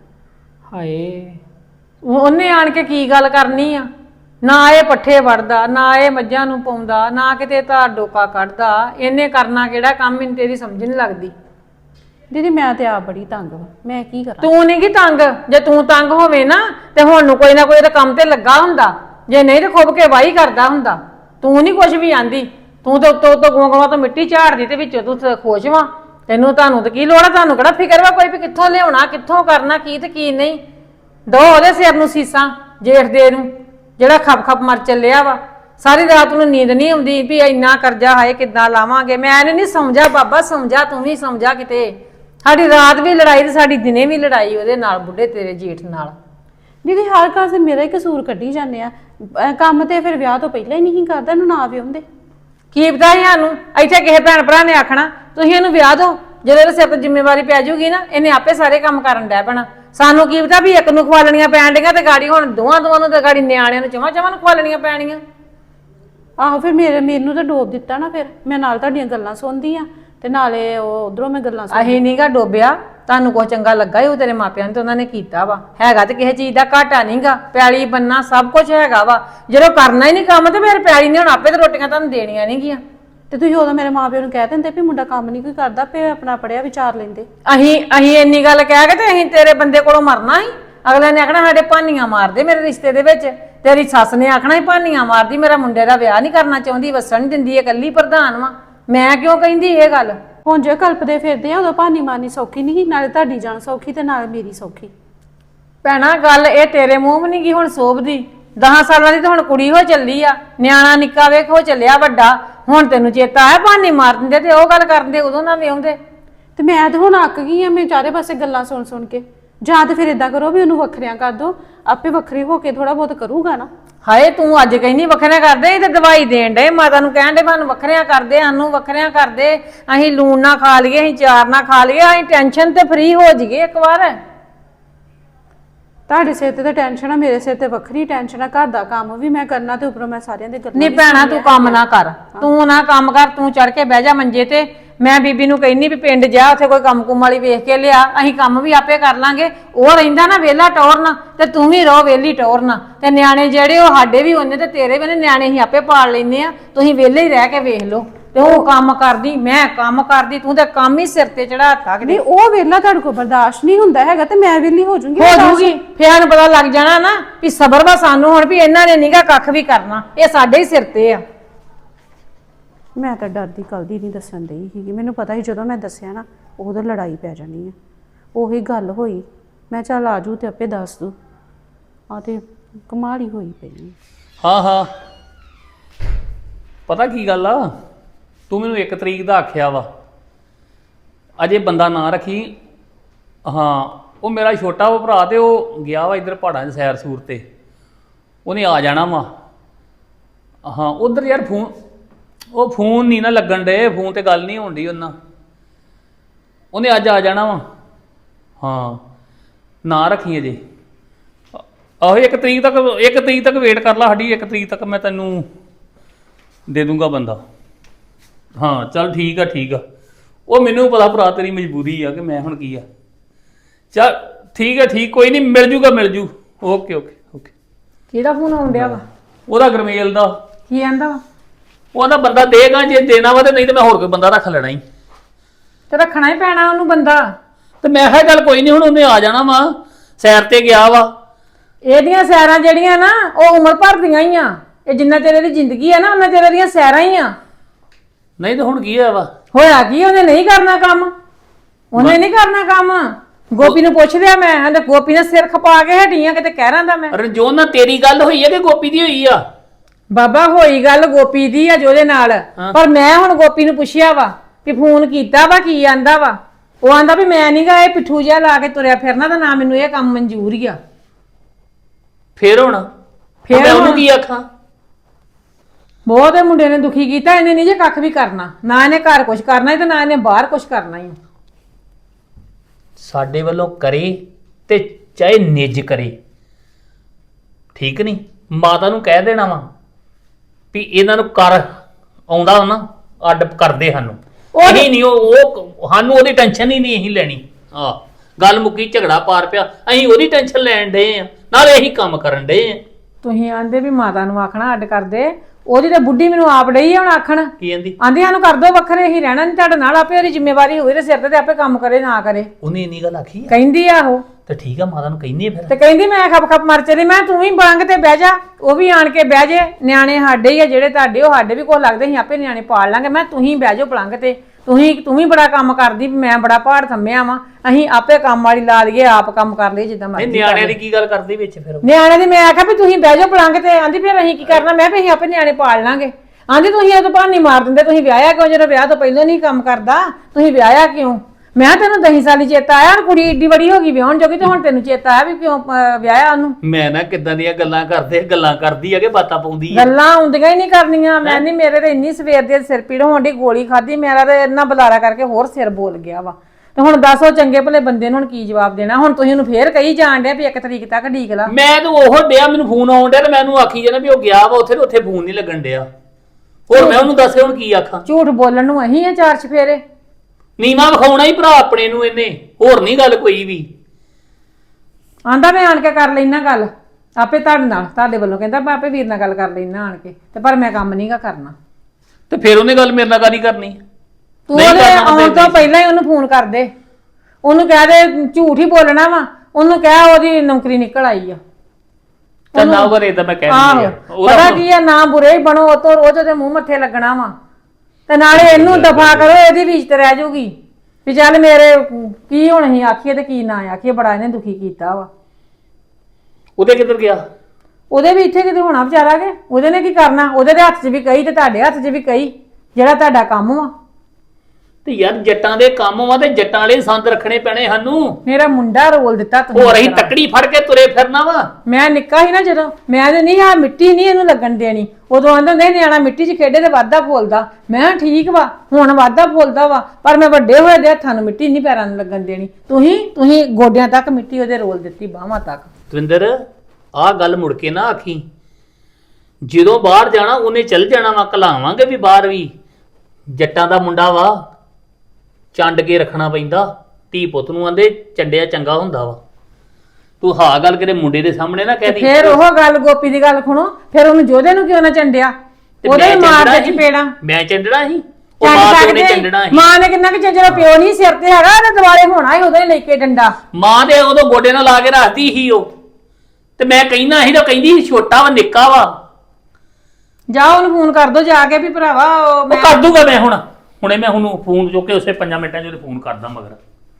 Speaker 3: ਹਾਏ ਉਹਨੇ ਆਣ ਕੇ ਕੀ ਗੱਲ ਕਰਨੀ ਆ? ਨਾ ਇਹ ਪੱਠੇ ਵੜਦਾ, ਨਾ ਇਹ ਮੱਝਾਂ ਨੂੰ ਪਾਉਂਦਾ, ਨਾ ਕਿਤੇ ਧਾਰ ਡੋਕਾ ਕੱਢਦਾ। ਇਹਨੇ ਕਰਨਾ ਕਿਹੜਾ ਕੰਮ? ਮੈਨੂੰ ਤੇਰੀ ਸਮਝ ਨਹੀਂ ਲੱਗਦੀ।
Speaker 4: ਦੀਦੀ ਮੈਂ ਤੇ ਆਪ ਬੜੀ ਤੰਗ ਵਾ, ਮੈਂ ਕੀ ਕਰਾਂ?
Speaker 3: ਤੂੰ ਨਹੀਂ ਗੀ ਤੰਗ? ਜੇ ਤੂੰ ਤੰਗ ਹੋਵੇ ਨਾ ਤੇ ਹੁਣ ਨੂੰ ਕੋਈ ਨਾ ਕੋਈ ਤਾਂ ਕੰਮ ਤੇ ਲੱਗਾ ਹੁੰਦਾ, ਜੇ ਨਹੀਂ ਤੇ ਖੁੱਬ ਕੇ ਵਾਹੀ ਕਰਦਾ ਹੁੰਦਾ। ਤੂੰ ਨਹੀਂ ਕੁਝ ਵੀ ਆਂਦੀ, ਤੂੰ ਤਾਂ ਉੱਤੋਂ ਉੱਤੋਂ ਗੋਂਗਵਾ ਤੋਂ ਮਿੱਟੀ ਝਾੜਦੀ ਤੇ ਵਿੱਚੋਂ ਤੂੰ ਖੁਸ਼ ਵਾਂ। ਤੈਨੂੰ ਤੁਹਾਨੂੰ ਤਾਂ ਕੀ ਲੋੜ ਆ? ਤੁਹਾਨੂੰ ਕਿਹੜਾ ਫਿਕਰ ਵਾ ਕੋਈ ਵੀ ਕਿੱਥੋਂ ਲਿਆਉਣਾ, ਕਿੱਥੋਂ ਕਰਨਾ, ਕੀ ਤੇ ਕੀ ਨਹੀਂ? ਦੋ ਉਹਦੇ ਸਿਰ ਨੂੰ ਸੀਸਾਂ ਜੇਠ ਦੇ ਨੂੰ, ਜਿਹੜਾ ਖੱਪ ਖੱਪ ਮਰ ਚੱਲਿਆ ਵਾ। ਸਾਰੀ ਰਾਤ ਨੂੰ ਨੀਂਦ ਨਹੀਂ ਆਉਂਦੀ ਵੀ ਇੰਨਾ ਕਰਜ਼ਾ ਹਾਏ ਕਿੱਦਾਂ ਲਾਵਾਂਗੇ। ਮੈਂ ਨਹੀਂ ਸਮਝਾ ਬਾਬਾ, ਸਮਝਾ ਤੂੰ ਵੀ ਸਮਝਾ ਕਿਤੇ। ਸਾਡੀ ਰਾਤ ਵੀ ਲੜਾਈ ਤੇ ਸਾਡੀ ਦਿਨੇ ਵੀ ਲੜਾਈ ਉਹਦੇ ਨਾਲ, ਬੁੱਢੇ ਤੇਰੇ ਜੇਠ ਨਾਲ।
Speaker 4: ਦੀਦੀ ਹਰ ਕਾਸੇ ਮੇਰਾ ਹੀ ਕਸੂਰ ਕੱਢੀ ਜਾਂਦੇ ਆ। ਅਹ ਕੰਮ ਤੇ ਫਿਰ ਵਿਆਹ ਤੋਂ ਪਹਿਲਾਂ ਹੀ ਨਹੀਂ ਕਰਦਾ, ਇਹਨੂੰ ਨਾ ਵਿਆਹੁੰਦੇ।
Speaker 3: ਕੀ ਪਤਾ ਸੀ ਸਾਨੂੰ? ਇੱਥੇ ਕਿਸੇ ਭੈਣ ਭਰਾ ਨੇ ਆਖਣਾ ਤੁਸੀਂ ਇਹਨੂੰ ਵਿਆਹ ਦਿਓ, ਜਦੋਂ ਇਹਦੇ ਸਿਰ ਤੇ ਜ਼ਿੰਮੇਵਾਰੀ ਪੈ ਜਾਊਗੀ ਨਾ ਇਹਨੇ ਆਪੇ ਸਾਰੇ ਕੰਮ ਕਰਨ ਡੈ ਪੈਣਾ। ਸਾਨੂੰ ਕੀ ਪਤਾ ਵੀ ਇੱਕ ਨੂੰ ਖਵਾਲਣੀਆਂ ਪੈਣ ਡੀਆਂ ਤੇ ਗਾੜੀ ਹੁਣ ਦੋਵਾਂ ਦੋਵਾਂ ਨੂੰ ਤੇ ਗਾੜੀ ਨਿਆਣਿਆਂ ਨੂੰ ਚਵਾਂ ਚਵਾਂ ਨੂੰ ਖਵਾਲਣੀਆਂ ਪੈਣੀਆਂ।
Speaker 4: ਆਹੋ ਫਿਰ ਮੇਰੇ ਮੈਨੂੰ ਤਾਂ ਡੋਬ ਦਿੱਤਾ ਨਾ। ਫਿਰ ਮੈਂ ਨਾਲ ਤੁਹਾਡੀਆਂ ਗੱਲਾਂ ਸੁਣਦੀ ਆ ਤੇ ਨਾਲੇ ਉਹ ਉਧਰੋਂ ਮੈਂ ਗੱਲਾਂ ਸੁਣ।
Speaker 3: ਅਸੀਂ ਨੀਗਾ ਡੋਬਿਆ, ਤੁਹਾਨੂੰ ਕੁਛ ਚੰਗਾ ਲੱਗਾ ਹੀ ਉਹ ਤੇਰੇ ਮਾਪਿਆਂ ਨੇ ਤੇ ਉਹਨਾਂ ਨੇ ਕੀਤਾ ਵਾ। ਹੈਗਾ ਤੇ ਕਿਸੇ ਚੀਜ਼ ਦਾ ਘਾਟਾ ਨਹੀਂਗਾ, ਪੈਲੀ ਬੰਨਾ ਸਭ ਕੁਝ ਹੈਗਾ ਵਾ। ਜਦੋਂ ਕਰਨਾ ਹੀ ਨਹੀਂ ਕੰਮ ਤੇ ਫਿਰ ਪੈਲੀ ਨੇ ਹੁਣ ਆਪੇ ਤੇ ਰੋਟੀਆਂ ਤੁਹਾਨੂੰ ਦੇਣੀਆਂ ਨਹੀਂਗੀਆਂ।
Speaker 4: ਤੇ ਤੁਸੀਂ ਉਦੋਂ ਮੇਰੇ ਮਾਪਿਆਂ ਨੂੰ ਕਹਿ ਦਿੰਦੇ ਵੀ ਮੁੰਡਾ ਕੰਮ ਨਹੀਂ ਕੋਈ ਕਰਦਾ, ਪੇ ਆਪਣਾ ਪੜਿਆ ਵਿਚਾਰ ਲੈਂਦੇ।
Speaker 3: ਅਸੀਂ ਅਸੀਂ ਇੰਨੀ ਗੱਲ ਕਹਿ ਕੇ ਤੇ ਅਸੀਂ ਤੇਰੇ ਬੰਦੇ ਕੋਲੋਂ ਮਰਨਾ ਸੀ। ਅਗਲੇ ਨੇ ਆਖਣਾ ਸਾਡੇ ਭਾਨੀਆਂ ਮਾਰਦੇ ਮੇਰੇ ਰਿਸ਼ਤੇ ਦੇ ਵਿੱਚ। ਤੇਰੀ ਸੱਸ ਨੇ ਆਖਣਾ ਹੀ ਭਾਨੀਆਂ ਮਾਰਦੀ, ਮੇਰਾ ਮੁੰਡੇ ਦਾ ਵਿਆਹ ਨਹੀਂ ਕਰਨਾ ਚਾਹੁੰਦੀ, ਵਸਣ ਨੀ ਦਿੰਦੀ, ਇਹ ਇਕੱਲੀ ਪ੍ਰਧਾਨ ਵਾ। ਮੈਂ ਕਿਉਂ ਕਹਿੰਦੀ ਇਹ ਗੱਲ?
Speaker 4: ਹੁਣ ਜੇ ਕਲਪਦੇ ਫਿਰਦੇ ਆ ਉਦੋਂ ਭਾਨੀ ਮਾਨੀ ਸੌਖੀ ਨਹੀਂ, ਨਾਲੇ ਤੁਹਾਡੀ ਜਾਨ ਸੌਖੀ ਤੇ ਨਾਲ ਮੇਰੀ ਸੌਖੀ।
Speaker 3: ਭੈਣਾ ਗੱਲ ਇਹ ਤੇਰੇ ਮੂੰਹ ਨਹੀਂ ਗਈ ਹੁਣ ਸੋਭਦੀ। ਦਸਾਂ ਸਾਲਾਂ ਦੀ ਤਾਂ ਹੁਣ ਕੁੜੀ ਹੋ ਚੱਲੀ ਆ, ਨਿਆਣਾ ਨਿੱਕਾ ਵੇਖ ਹੋ ਚੱਲਿਆ ਵੱਡਾ। ਹੁਣ ਤੈਨੂੰ ਚੇਤਾ ਆਇਆ ਭਾਨੀ ਮਾਰ ਦਿੰਦੇ ਤੇ ਉਹ ਗੱਲ ਕਰਦੇ ਉਦੋਂ ਨਾ ਵਿਆਹੁੰਦੇ।
Speaker 4: ਤੇ ਮੈਂ ਤਾਂ ਹੁਣ ਅੱਕ ਗਈ ਆ, ਮੈਂ ਚਾਰੇ ਪਾਸੇ ਗੱਲਾਂ ਸੁਣ ਸੁਣ ਕੇ। ਜਾਂ ਤੇ ਫਿਰ ਇਦਾਂ ਕਰੋ ਵੀ ਉਹਨੂੰ ਵੱਖਰਿਆਂ ਕਰ ਦੋ, ਆਪੇ ਵੱਖਰੀ ਹੋ ਕੇ ਥੋੜਾ ਬਹੁਤ ਕਰੂਗਾ ਨਾ।
Speaker 3: ਹਾਏ ਤੂੰ ਅੱਜ ਕਹਿੰਦੀ ਵੱਖਰਿਆਂ ਕਰਦੇ, ਇਹ ਤੇ ਦਵਾਈ ਦੇਣ ਡੇ ਮਾਤਾ ਨੂੰ, ਕਹਿਣ ਡੇ ਸਾਨੂੰ ਵੱਖਰਿਆਂ ਕਰਦੇ, ਸਾਨੂੰ ਵੱਖਰਿਆਂ ਕਰਦੇ। ਅਸੀਂ ਲੂਣ ਨਾ ਖਾ ਲਈਏ, ਅਸੀਂ ਚਾਰ ਨਾ ਖਾ ਲਈਏ, ਅਸੀਂ ਟੈਨਸ਼ਨ ਤੇ ਫਰੀ ਹੋ ਜਾਈਏ ਇੱਕ ਵਾਰ।
Speaker 4: ਤੁਹਾਡੇ ਸਿਰ ਤੇ ਤਾਂ ਟੈਨਸ਼ਨ ਆ, ਮੇਰੇ ਸਿਰ ਤੇ ਵੱਖਰੀ ਟੈਨਸ਼ਨ ਆ। ਘਰ ਦਾ ਕੰਮ ਵੀ ਮੈਂ ਕਰਨਾ ਤੇ ਉੱਪਰੋਂ ਮੈਂ ਸਾਰਿਆਂ ਦੇ ਗੱਲਾਂ
Speaker 3: ਨਹੀਂ ਭੈਣਾ ਤੂੰ ਕੰਮ ਨਾ ਕਰ, ਤੂੰ ਨਾ ਕੰਮ ਕਰ, ਤੂੰ ਚੜ ਕੇ ਬਹਿ ਜਾ ਮੰਜੇ ਤੇ। ਮੈਂ ਬੀਬੀ ਨੂੰ ਕਹਿੰਦੀ ਵੀ ਪਿੰਡ ਜਾ, ਉੱਥੇ ਕੋਈ ਕੰਮ ਕੁਮ ਵਾਲੀ ਵੇਖ ਕੇ ਲਿਆ, ਅਸੀਂ ਕੰਮ ਵੀ ਆਪੇ ਕਰ ਲਾਂਗੇ। ਉਹ ਰਹਿੰਦਾ ਨਾ ਵਿਹਲਾ ਟੌਰਨ, ਤੇ ਤੂੰ ਵੀ ਰਹੋ ਵਿਹਲੀ ਟੌਰਨ। ਤੇ ਨਿਆਣੇ ਜਿਹੜੇ ਉਹ ਸਾਡੇ ਵੀ ਉਹਨੇ ਤੇ ਤੇਰੇ ਵੀ ਨੇ, ਨਿਆਣੇ ਅਸੀਂ ਆਪੇ ਪਾਲ ਲੈਨੇ ਆ। ਤੁਸੀਂ ਵਿਹਲੇ ਹੀ ਰਹਿ ਕੇ ਵੇਖ ਲਓ। ਤੇ ਉਹ ਕੰਮ ਕਰਦੀ, ਮੈਂ ਕੰਮ ਕਰਦੀ, ਤੂੰ ਤੇ ਕੰਮ ਹੀ ਸਿਰ ਤੇ ਚੜਾਤਾ।
Speaker 4: ਨਹੀਂ ਉਹ ਵੇਲਾ ਤੁਹਾਡੇ ਕੋਲ ਬਰਦਾਸ਼ਤ ਨਹੀਂ ਹੁੰਦਾ ਹੈਗਾ ਤੇ ਮੈਂ ਵੇਲੀ ਹੋ ਜੂੰਗੀ।
Speaker 3: ਹੋ ਜੂਗੀ ਫਿਰ ਨੂੰ ਪਤਾ ਲੱਗ ਜਾਣਾ ਨਾ ਵੀ ਸਬਰ ਵਾ ਸਾਨੂੰ ਹੁਣ, ਵੀ ਇਹਨਾਂ ਨੇ ਨੀਗਾ ਕੱਖ ਵੀ ਕਰਨਾ, ਇਹ ਸਾਡੇ ਹੀ ਸਿਰ ਤੇ ਆ।
Speaker 4: ਮੈਂ ਤਾਂ ਡਰਦੀ ਕਲਦੀ ਨਹੀਂ ਦੱਸਣ ਡਈ ਸੀਗੀ, ਮੈਨੂੰ ਪਤਾ ਸੀ ਜਦੋਂ ਮੈਂ ਦੱਸਿਆ ਨਾ ਉਦੋਂ ਲੜਾਈ ਪੈ ਜਾਣੀ ਹੈ। ਉਹੀ ਗੱਲ ਹੋਈ, ਮੈਂ ਚੱਲ ਆਜੂ ਤੇ ਆਪੇ ਦੱਸ ਦੂ। ਆ ਤੇ ਕਮਾਲ ਹੀ ਹੋਈ ਪਈ।
Speaker 1: ਹਾਂ ਹਾਂ ਪਤਾ ਕੀ ਗੱਲ ਆ, ਤੂੰ ਮੈਨੂੰ ਇੱਕ ਤਰੀਕ ਦਾ ਆਖਿਆ ਵਾ, ਅਜੇ ਬੰਦਾ ਨਾ ਰੱਖੀ। ਹਾਂ ਉਹ ਮੇਰਾ ਛੋਟਾ ਉਹ ਭਰਾ ਤੇ ਉਹ ਗਿਆ ਵਾ ਇੱਧਰ ਪਹਾੜਾਂ 'ਚ ਸੈਰ ਸੂਰ ਤੇ, ਉਹਨੇ ਆ ਜਾਣਾ ਵਾ। ਹਾਂ ਉਧਰ ਯਾਰ ਫੋਨ, ਉਹ ਫੋਨ ਨਹੀਂ ਨਾ ਲੱਗਣ ਡੇ, ਫੋਨ ਤੇ ਗੱਲ ਨਹੀਂ ਹੋਣ ਡਈ ਉਹਨਾਂ। ਉਹਨੇ ਅੱਜ ਆ ਜਾਣਾ ਵਾ। ਹਾਂ ਨਾ ਰੱਖੀ ਅਜੇ। ਆਹੋ ਇੱਕ ਤਰੀਕ ਤੱਕ, ਇੱਕ ਤਰੀਕ ਤੱਕ ਵੇਟ ਕਰ ਲਾ ਸਾਡੀ, ਇੱਕ ਤਰੀਕ ਤੱਕ ਮੈਂ ਤੈਨੂੰ ਦੇ ਦੂੰਗਾ ਬੰਦਾ। ਹਾਂ ਚੱਲ ਠੀਕ ਆ ਠੀਕ ਆ। ਉਹ ਮੈਨੂੰ ਪਤਾ ਭਰਾ ਤੇਰੀ ਮਜਬੂਰੀ ਆ ਕਿ ਮੈਂ ਹੁਣ ਕੀ ਆ। ਚੱਲ ਠੀਕ ਆ ਠੀਕ, ਕੋਈ ਨਹੀਂ ਮਿਲ ਜੂਗਾ ਮਿਲ ਜੂ। Okay okay okay.
Speaker 3: ਕਿਹਦਾ ਫੋਨ ਆਉਣ ਡਿਆ ਵਾ?
Speaker 1: ਉਹਦਾ ਗਰਮੇਲ ਦਾ।
Speaker 3: ਕੀ ਆਂਦਾ ਵਾ?
Speaker 1: ਉਹਦਾ ਬੰਦਾ ਦੇਗਾ ਜੇ ਦੇਣਾ ਵਾ ਤੇ, ਨਹੀਂ ਤੇ ਮੈਂ ਹੋਰ ਕੋਈ ਬੰਦਾ ਰੱਖ ਲੈਣਾ ਹੀ।
Speaker 3: ਤੇ ਰੱਖਣਾ ਹੀ ਪੈਣਾ ਉਹਨੂੰ ਬੰਦਾ।
Speaker 1: ਤੇ ਮੈਂ ਕਿਹਾ ਚੱਲ ਕੋਈ ਨਹੀਂ, ਹੁਣ ਉਹਨੇ ਆ ਜਾਣਾ ਵਾ, ਸੈਰ ਤੇ ਗਿਆ ਵਾ।
Speaker 3: ਇਹਦੀਆਂ ਸੈਰਾਂ ਜਿਹੜੀਆਂ ਨਾ ਉਹ ਉਮਰ ਭਰ ਦੀਆਂ ਹੀ ਆ। ਇਹ ਜਿੰਨਾ ਚਿਰ ਇਹਦੀ ਜ਼ਿੰਦਗੀ ਆ ਨਾ ਉਹਨਾਂ ਚਿਰ ਇਹਦੀਆਂ ਸੈਰਾਂ ਹੀ ਆ।
Speaker 1: ਨਹੀਂ ਤੇ ਹੁਣ ਕੀ ਹੋਇਆ ਵਾ?
Speaker 3: ਹੋਇਆ ਕੀ, ਉਹਨੇ ਨਹੀਂ ਕਰਨਾ ਕੰਮ, ਉਹਨੇ ਨਹੀਂ ਕਰਨਾ ਕੰਮ। ਗੋਪੀ ਨੂੰ ਪੁੱਛ ਲਿਆ ਮੈਂ, ਕਹਿੰਦਾ ਗੋਪੀ ਨੇ ਸਿਰ ਖਪਾ ਕੇ ਹਟੀਆਂ ਕਿਤੇ ਕਹਿ ਰਹਾ ਮੈਂ।
Speaker 1: ਰਣਜੋਤ ਨਾਲ ਤੇਰੀ ਗੱਲ ਹੋਈ ਹੈ ਕਿ ਗੋਪੀ ਦੀ ਹੋਈ ਆ?
Speaker 3: ਬਾਬਾ ਹੋਈ ਗੱਲ ਗੋਪੀ ਦੀ ਆ ਉਹਦੇ ਨਾਲ, ਪਰ ਮੈਂ ਹੁਣ ਗੋਪੀ ਨੂੰ ਪੁੱਛਿਆ ਵਾ ਵੀ ਫੋਨ ਕੀਤਾ ਵਾ, ਕੀ ਆਂਦਾ ਵਾ। ਉਹ ਆਂਦਾ ਵੀ ਮੈਂ ਨੀ ਗਾ ਇਹ ਪਿੱਠੂ ਜਿਹਾ ਲਾ ਕੇ ਤੁਰਿਆ ਫਿਰਨਾ, ਤਾਂ ਨਾ ਮੈਨੂੰ ਇਹ ਕੰਮ ਮਨਜ਼ੂਰ ਹੀ ਆ।
Speaker 1: ਫੇਰ ਹੁਣ
Speaker 3: ਫੇਰ
Speaker 1: ਮੈਂ ਉਹਨੂੰ
Speaker 3: ਹੁਣ?
Speaker 1: ਕੀ ਆਖਾਂ?
Speaker 3: ਬਹੁਤ ਇਹ ਮੁੰਡੇ ਨੇ ਦੁਖੀ ਕੀਤਾ, ਇਹਨੇ ਨਹੀਂ ਜੇ ਕੱਖ ਵੀ ਕਰਨਾ, ਨਾ ਇਹਨੇ ਘਰ ਕੁਛ ਕਰਨਾ ਤੇ ਨਾ ਇਹਨੇ ਬਾਹਰ ਕੁਛ ਕਰਨਾ ਹੀ।
Speaker 1: ਸਾਡੇ ਵੱਲੋਂ ਕਰੇ ਤੇ ਚਾਹੇ ਨਿੱਜ ਕਰੇ, ਠੀਕ ਨਹੀਂ? ਮਾਤਾ ਨੂੰ ਕਹਿ ਦੇਣਾ ਵਾ ਵੀ ਇਹਨਾਂ ਨੂੰ ਕਰ ਆਉਂਦਾ ਨਾ ਅੱਡ ਕਰਦੇ ਸਾਨੂੰ। ਉਹ ਨਹੀਂ ਉਹ ਸਾਨੂੰ ਉਹਦੀ ਟੈਨਸ਼ਨ ਹੀ ਨਹੀਂ ਅਸੀਂ ਲੈਣੀ। ਆ ਗੱਲ ਮੁੱਕੀ, ਝਗੜਾ ਪਾਰ ਪਿਆ, ਅਸੀਂ ਉਹਦੀ ਟੈਨਸ਼ਨ ਲੈਣ ਡਏ ਆ, ਨਾਲੇ ਅਸੀਂ ਕੰਮ ਕਰਨ ਡਏ ਆ।
Speaker 3: ਤੁਸੀਂ ਆਂਦੇ ਵੀ ਮਾਤਾ ਨੂੰ ਆਖਣਾ ਅੱਡ ਕਰਦੇ, ਉਹਦੀ ਤੇ ਬੁੱਢੀ ਮੈਨੂੰ ਆਪ ਡਈ ਆ ਹੁਣ ਆਖਣ।
Speaker 1: ਕੀ ਕਹਿੰਦੀ?
Speaker 3: ਆਂਦੀ ਸਾਨੂੰ ਕਰ ਦੋ ਵੱਖਰੇ, ਅਸੀਂ ਰਹਿਣਾ ਨਹੀਂ ਤੁਹਾਡੇ ਨਾਲ, ਆਪੇ ਉਹਦੀ ਜ਼ਿੰਮੇਵਾਰੀ ਹੋਈ ਤੇ ਸਿਰ ਤੇ ਆਪੇ ਕੰਮ ਕਰੇ ਨਾ ਕਰੇ।
Speaker 1: ਉਹਨੇ ਇੰਨੀ ਗੱਲ ਆਖੀ ਆ?
Speaker 3: ਕਹਿੰਦੀ ਆ ਉਹ
Speaker 1: ਤੇ ਠੀਕ ਆ, ਮਾਤਾ ਨੂੰ ਕਹਿੰਦੀ ਆ ਫਿਰ।
Speaker 3: ਤੇ ਕਹਿੰਦੀ ਮੈਂ ਖੱਪ ਖੱਪ ਮਰ ਚਲੀ। ਮੈਂ ਤੂੰ ਵੀ ਪਲੰਗ ਤੇ ਬਹਿ ਜਾ, ਉਹ ਵੀ ਆਣ ਕੇ ਬਹਿ ਜੇ, ਨਿਆਣੇ ਸਾਡੇ ਹੀ ਆ ਜਿਹੜੇ ਤੁਹਾਡੇ, ਉਹ ਸਾਡੇ ਵੀ ਕੋਲ ਲੱਗਦੇ, ਅਸੀਂ ਆਪੇ ਨਿਆਣੇ ਪਾਲ ਲਾਂਗੇ। ਮੈਂ ਤੁਸੀਂ ਬਹਿ ਜਾਓ ਪਲੰਗ ਤੇ, ਤੁਸੀਂ ਤੂੰ ਵੀ ਬੜਾ ਕੰਮ ਕਰਦੀ, ਮੈਂ ਬੜਾ ਪਹਾੜ ਥੰਮਿਆ ਵਾਂ, ਅਸੀਂ ਆਪੇ ਕੰਮ ਵਾਲੀ ਲਾ ਲਈਏ, ਆਪ ਕੰਮ ਕਰ ਲਈਏ ਜਿੱਦਾਂ
Speaker 1: ਨਹੀਂ
Speaker 3: ਮਰਜ਼ੀ।
Speaker 1: ਨਿਆਣਿਆਂ ਦੀ ਕੀ ਗੱਲ ਕਰਦੀ ਵਿੱਚ ਫਿਰ?
Speaker 3: ਨਿਆਣੇ ਦੀ ਮੈਂ ਆਖਿਆ ਵੀ ਤੁਸੀਂ ਬਹਿ ਜਾਓ ਪਲੰਗ ਤੇ, ਆਂਦੀ ਫਿਰ ਅਸੀਂ ਕੀ ਕਰਨਾ? ਮੈਂ ਵੀ ਅਸੀਂ ਆਪੇ ਨਿਆਣੇ ਪਾਲ ਲਾਂਗੇ। ਆਂਦੀ ਤੁਸੀਂ ਇਹ ਤਾਂ ਬਹਾਨੀ ਮਾਰ ਦਿੰਦੇ, ਤੁਸੀਂ ਵਿਆਹਿਆ ਕਿਉਂ ਜਦੋਂ ਵਿਆਹ ਤੋਂ ਪਹਿਲਾਂ ਨਹੀਂ ਕੰਮ ਕਰਦਾ? ਤੁਸੀਂ ਵਿਆਹਿਆ ਕਿਉਂ? ਮੈਂ ਤੈਨੂੰ ਦਹੀਂ ਸਾਲੀ ਚੇਤਾ ਆਇਆ, ਕੁੜੀ ਏਡੀ ਬੜੀ ਹੋ ਗਈ ਵਿਆਹਣ ਜੋਗੀ, ਤੇ ਹੁਣ ਤੈਨੂੰ ਚੇਤਾ ਆਇਆ ਵੀ ਕਿਉਂ ਅਹ, ਵਿਆਹਿਆ ਉਹਨੂੰ?
Speaker 1: ਮੈਂ ਨਾ ਕਿੱਦਾਂ ਦੀਆਂ ਗੱਲਾਂ ਕਰਦੇ, ਗੱਲਾਂ ਕਰਦੀ ਆ ਕਿ ਬਾਤਾਂ ਪਾਉਂਦੀ ਆ।
Speaker 3: ਗੱਲਾਂ ਆਉਂਦੀਆਂ ਹੀ ਨਹੀਂ ਕਰਨੀਆਂ। ਮੈਂ ਨਹੀਂ, ਮੇਰੇ ਤੇ ਇੰਨੀ ਸਵੇਰ ਦੇ ਸਿਰ ਪੀੜ ਹੋਣ ਦੀ, ਗੋਲੀ ਖਾਧੀ, ਮੇਰਾ ਤੇ ਇੰਨਾ ਬੁਲਾਰਾ ਕਰਕੇ ਹੋਰ ਸਿਰ ਬੋਲ ਗਿਆ ਵਾ। ਤੇ ਹੁਣ ਦੱਸ ਉਹ ਚੰਗੇ ਭਲੇ ਬੰਦੇ ਨੂੰ ਹੁਣ ਕੀ ਜਵਾਬ ਦੇਣਾ? ਹੁਣ ਤੁਸੀਂ ਉਹਨੂੰ ਫੇਰ ਕਹੀ ਜਾਣ ਡਿਆ ਵੀ ਇੱਕ ਤਰੀਕ ਤੱਕ ਢੀਕ ਲਾ।
Speaker 1: ਮੈਂ ਤਾਂ ਉਹ ਡਿਆ, ਮੈਨੂੰ ਫੋਨ ਆਉਣ ਡਿਆ ਤੇ ਮੈਨੂੰ ਆਖੀ ਜਾਣਾ ਵੀ ਉਹ ਗਿਆ ਵਾ ਉੱਥੇ ਤੇ ਉੱਥੇ ਫੋਨ ਨਹੀਂ ਲੱਗਣ ਡਿਆ। ਹੋਰ ਮੈਂ ਉਹਨੂੰ ਦੱਸੇ ਹੁਣ ਕੀ ਆਖਾਂ?
Speaker 3: ਝੂਠ ਬੋਲਣ ਨੂੰ ਅਹੀਂ ਆ ਚਾਰ ਚਫੇਰੇ।
Speaker 1: ਨੀਵਾ ਵਿਖਾਉਣਾ ਹੀ ਭਰਾ ਆਪਣੇ ਨੂੰ ਇਹਨੇ, ਹੋਰ ਨਹੀਂ ਗੱਲ ਕੋਈ ਵੀ।
Speaker 3: ਆਂਦਾ ਮੈਂ ਆਣ ਕੇ ਕਰ ਲੈਣਾ ਗੱਲ ਆਪੇ ਤੁਹਾਡੇ ਨਾਲ, ਤੁਹਾਡੇ ਵੱਲੋਂ ਕਹਿੰਦਾ ਮੈਂ ਆਪੇ ਵੀਰ ਨਾਲ ਗੱਲ ਕਰ ਲੈਣਾ ਆਣ ਕੇ, ਤੇ ਪਰ ਮੈਂ ਕੰਮ ਨਹੀਂਗਾ ਕਰਨਾ।
Speaker 1: ਤੇ ਫਿਰ ਉਹਨੇ ਗੱਲ ਮੇਰੇ ਨਾਲ ਕਾਹਦੀ ਕਰਨੀ?
Speaker 3: ਤੂੰ ਉਹਦੇ ਆਉਣ ਤੋਂ ਪਹਿਲਾਂ ਹੀ ਉਹਨੂੰ ਫੋਨ ਕਰ ਦੇ, ਉਹਨੂੰ ਕਹਿ ਦੇ ਝੂਠ ਹੀ ਬੋਲਣਾ ਵਾ, ਉਹਨੂੰ ਕਹਿ ਉਹਦੀ ਨੌਕਰੀ ਨਿਕਲ ਆਈ ਆ।
Speaker 1: ਤਾਂ ਨਾ ਉਹ ਕਰੇ ਤਾਂ ਮੈਂ ਕਹਿ ਦਿੰਦੀ ਆ।
Speaker 3: ਪਤਾ ਕੀ ਆ, ਨਾ ਬੁਰੇ ਹੀ ਬਣੋ, ਉਹ ਤੋਂ ਰੋਜ਼ ਉਹਦੇ ਮੂੰਹ ਮੱਥੇ ਲੱਗਣਾ ਵਾ, ਤੇ ਨਾਲੇ ਇਹਨੂੰ ਦਫਾ ਕਰੋ, ਇਹਦੀ ਵੀ ਇੱਜ਼ਤ ਰਹਿ ਜਾਊਗੀ ਵੀ ਚੱਲ ਮੇਰੇ ਕੀ ਹੁਣ ਅਸੀਂ ਆਖੀਏ ਤੇ ਕੀ ਨਾ ਆਖੀਏ, ਬੜਾ ਇਹਨੇ ਦੁਖੀ ਕੀਤਾ ਵਾ।
Speaker 1: ਉਹਦੇ ਕਿੱਧਰ ਗਿਆ?
Speaker 3: ਉਹਦੇ ਵੀ ਇੱਥੇ ਕਿਤੇ ਹੋਣਾ ਵਿਚਾਰਾ ਕੇ, ਉਹਦੇ ਨੇ ਕੀ ਕਰਨਾ? ਉਹਦੇ ਦੇ ਹੱਥ 'ਚ ਵੀ ਕਹੀ ਤੇ ਤੁਹਾਡੇ ਹੱਥ 'ਚ ਵੀ ਕਹੀ, ਜਿਹੜਾ ਤੁਹਾਡਾ ਕੰਮ ਵਾ।
Speaker 1: ਤੇ ਯਾਰ ਜੱਟਾਂ ਦੇ ਕੰਮ ਵਾ ਤੇ ਜੱਟਾਂ ਵਾਲੇ ਸੰਦ ਰੱਖਣੇ ਪੈਣੇ ਸਾਨੂੰ।
Speaker 3: ਮੇਰਾ ਮੁੰਡਾ ਰੋਲ ਦਿੱਤਾ ਤੁਸੀਂ।
Speaker 1: ਹੋਰ ਅਸੀਂ ਤੱਕੜੀ ਫੜ ਕੇ ਤੁਰੇ ਫਿਰਨਾ ਵਾ।
Speaker 3: ਮੈਂ ਨਿੱਕਾ ਸੀ ਨਾ ਜਦੋਂ, ਮੈਂ ਤੇ ਨਹੀਂ ਆ ਮਿੱਟੀ ਨਹੀਂ ਇਹਨੂੰ ਲੱਗਣ ਦੇਣੀ। ਉਦੋਂ ਆਂਦੇ ਹੁੰਦੇ ਨਿਆਣਾ ਮਿੱਟੀ 'ਚ ਖੇਡੇ ਤੇ ਵਾਧਾ ਫੋਲਦਾ। ਮੈਂ ਠੀਕ ਵਾ, ਹੁਣ ਵਾਧਾ ਫੋਲਦਾ ਵਾ, ਪਰ ਮੈਂ ਵੱਡੇ ਹੋਏ ਦੇ ਹੱਥਾਂ ਨੂੰ ਮਿੱਟੀ ਨਹੀਂ ਪੈਰਾਂ ਨੂੰ ਲੱਗਣ ਦੇਣੀ। ਤੁਸੀਂ ਤੁਸੀਂ ਗੋਡਿਆਂ ਤੱਕ ਮਿੱਟੀ ਉਹਦੇ ਰੋਲ ਦਿੱਤੀ, ਬਾਹਾਂ ਤੱਕ।
Speaker 1: ਦਵਿੰਦਰ ਆਹ ਗੱਲ ਮੁੜ ਕੇ ਨਾ ਆਖੀ, ਜਦੋਂ ਬਾਹਰ ਜਾਣਾ ਉਹਨੇ ਚੱਲ ਜਾਣਾ ਵਾ, ਘਲਾਵਾਂਗੇ ਵੀ ਬਾਹਰ ਵੀ। ਜੱਟਾਂ ਦਾ ਮੁੰਡਾ ਵਾ, ਚੰਡ ਕੇ ਰੱਖਣਾ ਪੈਂਦਾ। ਧੀ ਪੁੱਤ ਨੂੰ ਆਂਦੇ ਚੰਡਿਆ ਚੰਗਾ ਹੁੰਦਾ ਵਾ। ਤੂੰ ਹਾਂ ਗੱਲ ਕਿਤੇ ਮੁੰਡੇ ਦੇ ਸਾਹਮਣੇ ਨਾ ਕਹਿ ਦੀ।
Speaker 3: ਫਿਰ ਉਹ ਗੱਲ ਗੋਪੀ ਦੀ ਗੱਲ ਸੁਣੋ, ਫਿਰ ਉਹਨੂੰ ਜੋਧੇ ਨੂੰ ਕਿਉਂ ਨਾ ਚੰਡਿਆ? ਉਹਦੇ ਮਾਰ ਦੇ ਚਪੇੜਾ।
Speaker 1: ਮੈਂ ਚੰਡਣਾ ਸੀ, ਉਹ ਮਾਂ ਨੇ ਚੰਡਣਾ ਸੀ।
Speaker 3: ਮਾਂ ਨੇ ਕਿੰਨਾ ਕਿ ਚੰਜਰਾ, ਪਿਓ ਨਹੀਂ ਸਿਰ ਤੇ ਹੈਗਾ, ਉਹਦੇ ਦੁਆਲੇ ਹੋਣਾ ਹੀ, ਉਹਦੇ ਲੈ ਕੇ ਡੰਡਾ।
Speaker 1: ਮਾਂ ਦੇ ਉਦੋਂ ਗੋਡੇ ਨਾਲ ਲਾ ਕੇ ਰੱਖਦੀ ਸੀ ਉਹ, ਤੇ ਮੈਂ ਕਹਿੰਦਾ ਸੀ ਤਾਂ ਕਹਿੰਦੀ ਸੀ ਛੋਟਾ ਵਾ ਨਿੱਕਾ ਵਾ।
Speaker 3: ਜਾ ਉਹਨੂੰ ਫੋਨ ਕਰ ਦੋ ਜਾ ਕੇ ਵੀ ਭਰਾਵਾ ਉਹ
Speaker 1: ਉਹ ਕਰ ਦੂੰਗਾ ਮੈਂ ਹੁਣ, ਹੁਣੇ ਮੈਂ ਉਹਨੂੰ ਫੋਨ ਚੁੱਕ ਕੇ ਉਸੇ ਪੰਜਾਂ ਮਿੰਟਾਂ 'ਚ ਉਹਦੇ ਫੋਨ ਕਰਦਾ ਮਗਰ।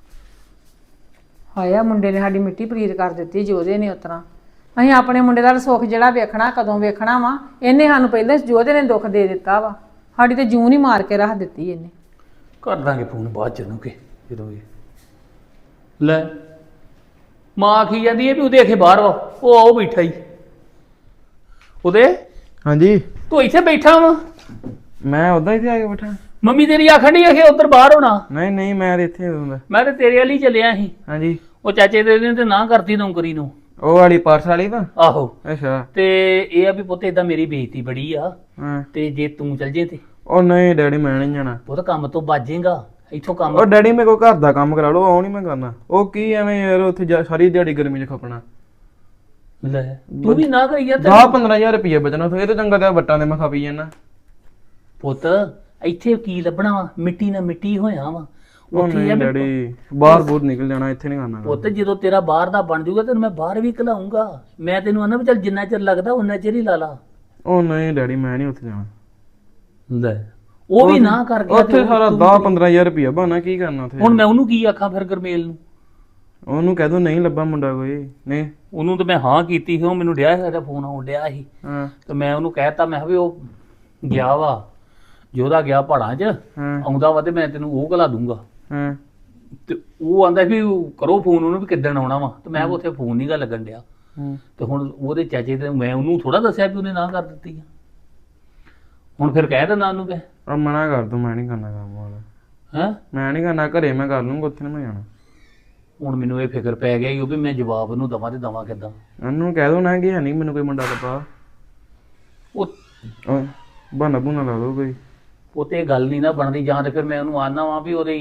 Speaker 3: ਹਾਇਆ ਮੁੰਡੇ ਨੇ ਸਾਡੀ ਮਿੱਟੀ ਪ੍ਰੀਤ ਕਰ ਦਿੱਤੀ ਜੋਧੇ ਨੇ। ਉਤਰਾ ਅਸੀਂ ਆਪਣੇ ਮੁੰਡੇ ਦਾ ਸੁੱਖ ਜਿਹੜਾ ਵੇਖਣਾ ਕਦੋਂ ਵੇਖਣਾ ਵਾ, ਇਹਨੇ ਸਾਨੂੰ ਪਹਿਲਾਂ ਜੋਧੇ ਨੇ ਦੁੱਖ ਦੇ ਦਿੱਤਾ ਵਾ। ਸਾਡੀ ਤੇ ਜੂਨ ਹੀ ਮਾਰ ਕੇ ਰੱਖ ਦਿੱਤੀ ਇਹਨੇ।
Speaker 1: ਕਰ ਦਾਂਗੇ ਫੋਨ ਬਾਅਦ ਚ ਨੂੰ ਕੇ ਜਦੋਂ ਵੀ ਲੈ ਮਾਂ ਆਖੀ ਜਾਂਦੀ ਹੈ ਵੀ ਉਹਦੇ ਅਖੇ ਬਾਹਰ ਵਾ, ਉਹ ਆਓ ਬੈਠਾ ਹੀ। ਉਹਦੇ
Speaker 2: ਹਾਂਜੀ
Speaker 1: ਤੂੰ ਇੱਥੇ ਬੈਠਾ ਵਾ?
Speaker 2: ਮੈਂ ਉਦਾਂ ਹੀ ਤੇ ਆ ਕੇ ਬੈਠਾ।
Speaker 1: ਮੰਮੀ ਤੇਰੀ ਆਖਣ ਡਈ ਅਖੇ ਉੱਧਰ ਬਾਹਰ ਹੋਣਾ।
Speaker 2: ਨਹੀਂ ਨਹੀਂ ਮੈਂ ਤੇ ਇੱਥੇ ਹੁੰਦਾ।
Speaker 1: ਮੈਂ ਤੇ ਤੇਰੇ ਵਾਲੀ ਚੱਲਿਆ ਸੀ।
Speaker 2: ਹਾਂਜੀ
Speaker 1: ਉਹ ਚਾਚੇ ਦੇ ਨੇ ਤੇ ਨਾ ਕਰਤੀ ਨੌਕਰੀ ਨੂੰ।
Speaker 2: ਉਹ ਵਾਲੀ ਪਾਰਸ ਵਾਲੀ ਵਾ?
Speaker 1: ਆਹੋ।
Speaker 2: ਅੱਛਾ।
Speaker 1: ਤੇ ਇਹ ਆ ਵੀ ਪੁੱਤ ਏਦਾਂ ਮੇਰੀ ਬੇਇੱਜ਼ਤੀ ਬੜੀ ਆ,
Speaker 2: ਹਾਂ।
Speaker 1: ਤੇ ਜੇ ਤੂੰ ਚੱਲ ਜੇ ਤੇ
Speaker 2: ਉਹ ਨਹੀਂ ਡੈਡੀ ਮੈਂ ਨਹੀਂ ਜਾਣਾ।
Speaker 1: ਪੁੱਤ ਕੰਮ ਤੋਂ ਬਾਜੇਗਾ ਇੱਥੋਂ ਕੰਮ।
Speaker 2: ਉਹ ਡੈਡੀ ਮੇਰੇ ਕੋਲ ਘਰ ਦਾ ਕੰਮ ਕਰਾ ਲਓ, ਉਹ ਨਹੀਂ ਮੈਂ ਕਰਨਾ। ਉਹ ਕੀ ਐਵੇਂ ਯਾਰ ਉੱਥੇ ਜਾ- ਸਾਰੀ ਦਿਹਾੜੀ ਗਰਮੀ 'ਚ ਖਪਣਾ।
Speaker 1: ਲੈ ਤੂੰ ਵੀ ਨਾ ਕਰੀ ਯਾਰ।
Speaker 2: ਦਸ ਪੰਦਰਾਂ ਹਜ਼ਾਰ ਰੁਪਏ ਬਚਣਾ ਉੱਥੇ, ਇਹ ਤਾਂ ਚੰਗਾ ਤੇ ਵੱਟਾਂ ਦੇ ਮੈਂ ਖਾਪੀ ਜਾਣਾ।
Speaker 1: ਪੁੱਤ ਇੱਥੇ ਕੀ ਲੱਭਣਾ ਵਾ, ਮਿੱਟੀ ਨਾਲ ਮਿੱਟੀ ਹੋਇਆ ਵਾ
Speaker 2: ਉਹ
Speaker 1: ਉੱਥੇ।
Speaker 2: ਨਹੀਂ ਡੈਡੀ ਬਾਹਰ ਬੂਰ ਨਿਕਲ ਜਾਣਾ, ਇੱਥੇ ਨਹੀਂ ਕਰਨਾ।
Speaker 1: ਪੁੱਤ ਜਦੋਂ ਤੇਰਾ ਬਾਹਰ ਦਾ ਬਣ ਜਾਊਗਾ ਤੈਨੂੰ ਮੈਂ ਬਾਹਰ ਵੀ ਘਲਾਉਂਗਾ। ਮੈਂ ਤੈਨੂੰ ਆਨਾ ਵੀ ਚੱਲ ਜਿੰਨਾ ਚਿਰ ਲੱਗਦਾ ਉਨਾ ਚਿਰ ਹੀ ਲਾ ਲਾ।
Speaker 2: ਉਹ ਨਹੀਂ ਡੈਡੀ ਮੈਂ ਨਹੀਂ ਉੱਥੇ ਜਾਣਾ।
Speaker 1: ਲੈ ਉਹ ਵੀ ਨਾ ਕਰ ਗਿਆ।
Speaker 2: ਉੱਥੇ ਸਾਰਾ ਦਸ ਪੰਦਰਾਂ ਹਜ਼ਾਰ ਰੁਪਇਆ ਬਣਾ, ਕੀ ਕਰਨਾ ਉੱਥੇ?
Speaker 1: ਹੁਣ ਮੈਂ ਉਹਨੂੰ ਕੀ ਆਖਾਂ ਫਿਰ ਗਰਮੇਲ ਨੂੰ?
Speaker 2: ਉਹਨੂੰ ਕਹਿ ਦੋ ਨਹੀਂ ਲੱਭਾ ਮੁੰਡਾ ਕੋਈ। ਨਹੀਂ
Speaker 1: ਉਹਨੂੰ ਤਾਂ ਮੈਂ ਹਾਂ ਕੀਤੀ ਸੀ, ਉਹ ਮੈਨੂੰ ਡਿਆ ਹੈਗਾ ਫੋਨ ਆਉਣ ਡਿਆ ਸੀ।
Speaker 2: ਹਾਂ
Speaker 1: ਤੇ ਮੈਂ ਉਹਨੂੰ ਕਹਿਤਾ, ਮੈਂ ਕਿਹਾ ਵੀ ਉਹ ਗਿਆ ਵਾ, ਜੋਦਾ ਗਿਆ ਪਹਾੜਾਂ 'ਚ,
Speaker 2: ਹਾਂ
Speaker 1: ਆਉਂਦਾ ਵਾ ਤੇ ਮੈਂ ਤੈਨੂੰ ਉਹ ਘਲਾ ਦੂੰਗਾ।
Speaker 2: ਹਾਂ
Speaker 1: ਤੇ ਉਹ ਆਂਦਾ ਵੀ ਕਰੋ ਫੋਨ ਉਹਨੂੰ ਵੀ ਕਿੱਦਣ ਆਉਣਾ ਵਾ, ਤੇ ਮੈਂ ਉੱਥੇ ਫੋਨ ਨਹੀਂ ਗਾ ਲੱਗਣ ਡਿਆ।
Speaker 2: ਹਾਂ।
Speaker 1: ਤੇ ਹੁਣ ਉਹਦੇ ਚਾਚੇ ਤੇ ਮੈਂ ਉਹਨੂੰ ਥੋੜਾ ਦੱਸਿਆ ਵੀ ਉਹਨੇ ਨਾ ਕਰ ਦਿੱਤੀ ਆ। ਹੁਣ ਫਿਰ ਕਹਿ ਦਿੰਦਾ ਉਹਨੂੰ ਕਿ
Speaker 2: ਉਹ ਮਨਾ ਕਰ ਦੂੰ, ਮੈਂ ਨਹੀਂ ਕਰਨਾ ਕੰਮ ਵਾਲਾ।
Speaker 1: ਹੈਂ
Speaker 2: ਮੈਂ ਨਹੀਂ ਕਰਨਾ, ਘਰੇ ਮੈਂ ਕਰ ਲੂੰਗਾ, ਉੱਥੇ ਨਹੀਂ ਮੈਂ ਜਾਣਾ।
Speaker 1: ਹੁਣ ਮੈਨੂੰ ਇਹ ਫਿਕਰ ਪੈ ਗਿਆ ਕਿ ਉਹ ਵੀ ਮੈਂ ਜਵਾਬ ਉਹਨੂੰ ਦਵਾਂ ਤੇ ਦਵਾਂ ਕਿੱਦਾਂ।
Speaker 2: ਉਹਨੂੰ ਕਹਿ ਦੋ ਨਾ ਕਿ ਹੈ ਨਹੀਂ ਮੈਨੂੰ ਕੋਈ ਮੁੰਡਾ ਲੱਭਾ।
Speaker 1: ਉਹ
Speaker 2: ਬਹਾਨਾ ਬੂਨਾ ਲਾ ਦੋ ਕੋਈ।
Speaker 1: ਉਹ ਤੇ ਗੱਲ ਨਹੀਂ ਨਾ ਬਣਦੀ, ਜਾਂ ਤੇ ਫਿਰ ਮੈਂ ਉਹਨੂੰ ਆਨਾ ਵਾਂ ਵੀ ਉਹਦੀ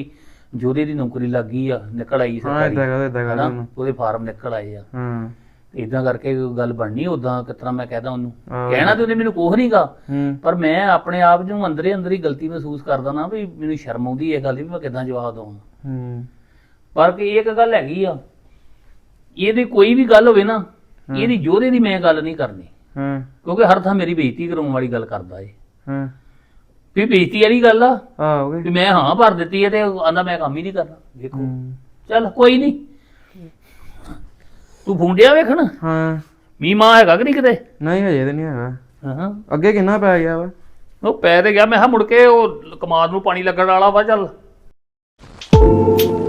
Speaker 1: ਜੋਦੇ ਦੀ ਨੌਕਰੀ ਲੱਗ ਗਈ ਆ, ਨਿਕਲ ਆਈ
Speaker 5: ਹਾਂ
Speaker 1: ਸਰਕਾਰੀ
Speaker 5: ਇਦਾਂ ਕਰ ਇਦਾਂ ਕਰ
Speaker 1: ਹਨਾ,
Speaker 5: ਉਹਨੂੰ
Speaker 1: ਉਹਦੇ ਫਾਰਮ ਨਿਕਲ ਆਏ ਆ।
Speaker 5: ਹਾਂ
Speaker 1: ਇਦਾਂ ਕਰਕੇ ਗੱਲ ਬਣਨੀ। ਉਦਾਂ ਕਿਸ ਤਰ੍ਹਾਂ ਮੈਂ ਕਹਦਾ ਉਹਨੂੰ,
Speaker 5: ਆਹੋ।
Speaker 1: ਕਹਿਣਾ ਤੇ ਉਹਨੇ ਮੈਨੂੰ ਕੁਛ ਨਹੀਂਗਾ,
Speaker 5: ਹੂੰ
Speaker 1: ਪਰ ਮੈਂ ਆਪਣੇ ਆਪ ਨੂੰ ਅੰਦਰੇ ਅੰਦਰ ਹੀ ਗਲਤੀ ਮਹਿਸੂਸ ਕਰਦਾ ਨਾ ਵੀ ਮੈਨੂੰ ਸ਼ਰਮ ਆਉਂਦੀ ਇਹ ਗੱਲ ਦੀ ਵੀ ਮੈਂ ਕਿੱਦਾਂ ਜਵਾਬ ਦਵਾਂ।
Speaker 5: ਹੂੰ
Speaker 1: ਪਰ ਕਿ ਇੱਕ ਗੱਲ ਹੈਗੀ ਆ, ਇਹਦੀ ਕੋਈ ਵੀ ਗੱਲ ਹੋਵੇ ਨਾ, ਇਹਦੀ ਜੋਧੇ ਦੀ ਮੈਂ ਗੱਲ ਨਹੀਂ ਕਰਨੀ,
Speaker 5: ਹਾਂ
Speaker 1: ਕਿਉਂਕਿ ਹਰ ਥਾਂ ਮੇਰੀ ਬੇਇੱਜ਼ਤੀ ਕਰਾਉਣ ਵਾਲੀ ਗੱਲ ਕਰਦਾ ਏ।
Speaker 5: ਹਾਂ
Speaker 1: ਵੀ ਬੇਇੱਜ਼ਤੀ ਵਾਲੀ ਗੱਲ ਆ
Speaker 5: ਆ ਹੋ ਗਏ
Speaker 1: ਵੀ ਮੈਂ ਹਾਂ ਭਰ ਦਿੱਤੀ ਹੈ ਤੇ ਆਂਦਾ ਮੈਂ ਕੰਮ ਹੀ ਨਹੀਂ ਕਰਨਾ। ਵੇਖੋ
Speaker 5: ਹੂੰ
Speaker 1: ਚੱਲ ਕੋਈ ਨਹੀਂ, ਤੂੰ ਫੁੰਡਿਆ ਵੇਖਣ
Speaker 5: ਹਾਂ
Speaker 1: ਮੀਂਹ ਮਾਂ ਹੈਗਾ ਕਿ ਨਹੀਂ ਕਿਤੇ?
Speaker 5: ਨਹੀਂ ਹਜੇ ਤੇ ਨਹੀਂ ਹੈਗਾ।
Speaker 1: ਹਾਂ
Speaker 5: ਅੱਗੇ ਕਿੰਨਾ ਪੈ ਗਿਆ ਵਾ?
Speaker 1: ਉਹ ਪੈ ਤੇ ਗਿਆ, ਮੈਂ ਕਿਹਾ ਮੁੜ ਕੇ ਉਹ ਕਮਾਦ ਨੂੰ ਪਾਣੀ ਲੱਗਣ ਵਾਲਾ ਵਾ। ਚੱਲ